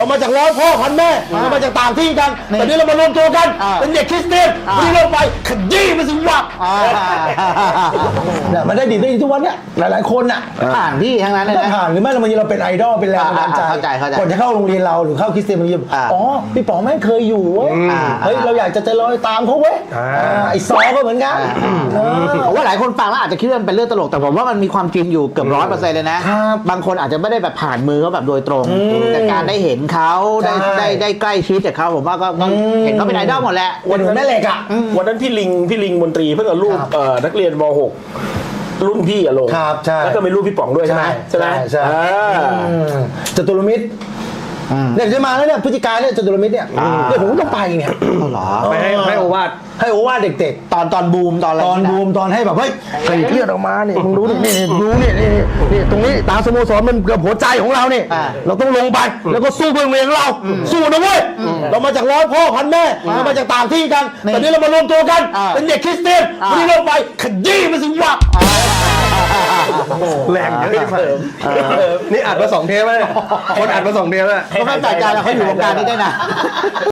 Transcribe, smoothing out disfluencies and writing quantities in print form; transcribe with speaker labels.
Speaker 1: เรามาจากร้อยพ่อพันแม่เรามาจากต่างที่กันแต่นี้เรามารวมตัวกันเป็นเด็กคริสเตียนวันนี้เราไปขยี้มันสิวะเนี่ยมันได้ดีทุกวันเนี่ยหลายๆคนน่ะ
Speaker 2: ผ่านพี่ทั้งนั้นเลยนะ
Speaker 1: ผ่านหรือไม่บางทีเราเป็นไอดอลเป็นแรงบันดาลใจก่อนจะเข้าโรงเรียนเราหรือเข้าคริสเตียนบางทีอ๋อพี่ป๋องแม่งเคยอยู่เว้ยเฮ้ยเราอยากจะลอยตามเขาเว้ยไอซอก็เหมือนกัน
Speaker 2: ผมว่าหลายคนฟังแล้วอาจจะคิดว่ามันเป็นเรื่องตลกแต่ผมว่ามันมีความจริงอยู่เกือบ100%เลยนะบางคนอาจจะไม่ได้แบบผ่านมือเขาแบบโดยตรงแต่การได้เห็นเขาได้ใกล้ชิดจากเขาผมว่าก็เห็นเขาเป็นไอดอลหมดแหละ
Speaker 1: วันนั้นแม่เหล็กอ่ะ
Speaker 3: วันนั้นพี่ลิงมนตรีเพิ่งเอารูปนักเรียนม.6 รุ่นพี่ลง
Speaker 1: ครับใช่
Speaker 3: แล้วก็มีรูปพี่ป๋องด้วยใช่ไหม
Speaker 1: ใช่จตุรมิตรเนี่ยจะมาแล้วเนี่ยพฤศจิกายนเนี่ยจตุรมิตรเนี่ยเดี๋ยวผมก็ต้องไปเนี่ย
Speaker 3: ไปให้โอวาท
Speaker 1: เด็ก
Speaker 2: ๆตอนบูมตอน
Speaker 1: ให้แบบเฮ้ยใครเลือดออกมาเนี่ยมึงดูนี่ดูนี่ตรงนี้ตาสโมสรมันเกือบหัวใจของเราเนี่ยเราต้องลงไปแล้วก็สู้เพื่อโรงเรียนเราสู้นะเว้ยเรามาจากร้อยพ่อพันแม่เรามาจากต่างที่กันแต่นี้เรามารวมตัวกันเป็นเด็กคริสเตียนวันนี้เราไปขยี้มันสิวะ
Speaker 3: แรงเยอะนี่อัดมา2 เทปแล้วคนอัดมา2 เทปแล้ว
Speaker 2: เขาเข้าใจกันแล้วเขาอยู่วงการนี้ได้นะ